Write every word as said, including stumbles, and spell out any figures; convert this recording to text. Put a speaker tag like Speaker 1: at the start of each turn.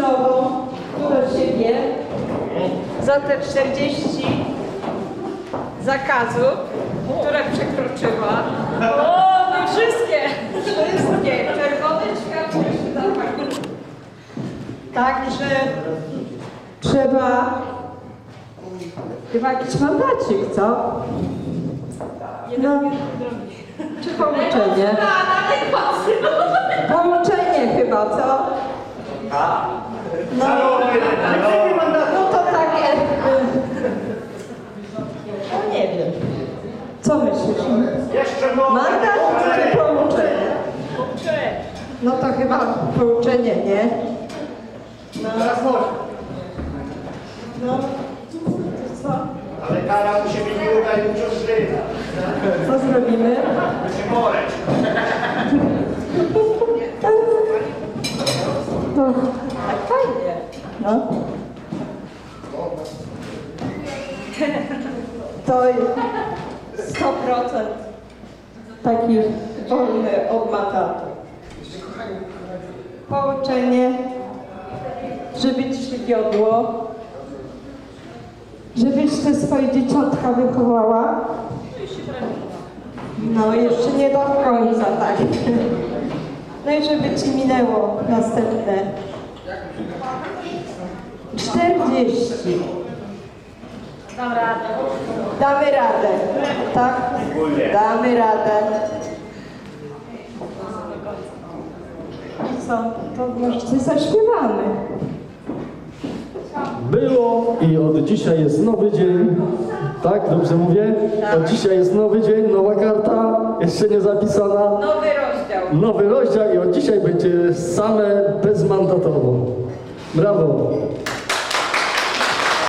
Speaker 1: złotą do siebie za te czterdzieści zakazów, które przekroczyła. O, no wszystkie! Wszystkie! Czerwone światło się zapaliło. Także trzeba chyba jakiś mandacik, co? No, czy pouczenie? Pouczenie chyba, co? No, no to takie... No nie wiem. Co myślisz? Mandat czy pouczenie? No to chyba pouczenie, nie? No. No. Co?
Speaker 2: Ale kara musi być długa i uciążliwa.
Speaker 1: Co zrobimy?
Speaker 2: Musi boleć.
Speaker 1: To tak fajnie. No. To sto procent taki wolny od matatu. Pouczenie, żeby ci się wiodło, żebyś te swoje dzieciątka wychowała. No jeszcze nie do końca, tak. No i żeby ci minęło następne czterdzieści.
Speaker 3: Dam radę.
Speaker 1: Damy radę, tak? Damy radę. I co? To może coś zaśpiewamy.
Speaker 4: Było i od dzisiaj jest nowy dzień. Tak, dobrze mówię? Od dzisiaj jest nowy dzień, nowa karta, jeszcze nie zapisana.
Speaker 1: Nowy rozdział.
Speaker 4: Nowy rozdział i od dzisiaj będzie same bezmandatowo. Brawo!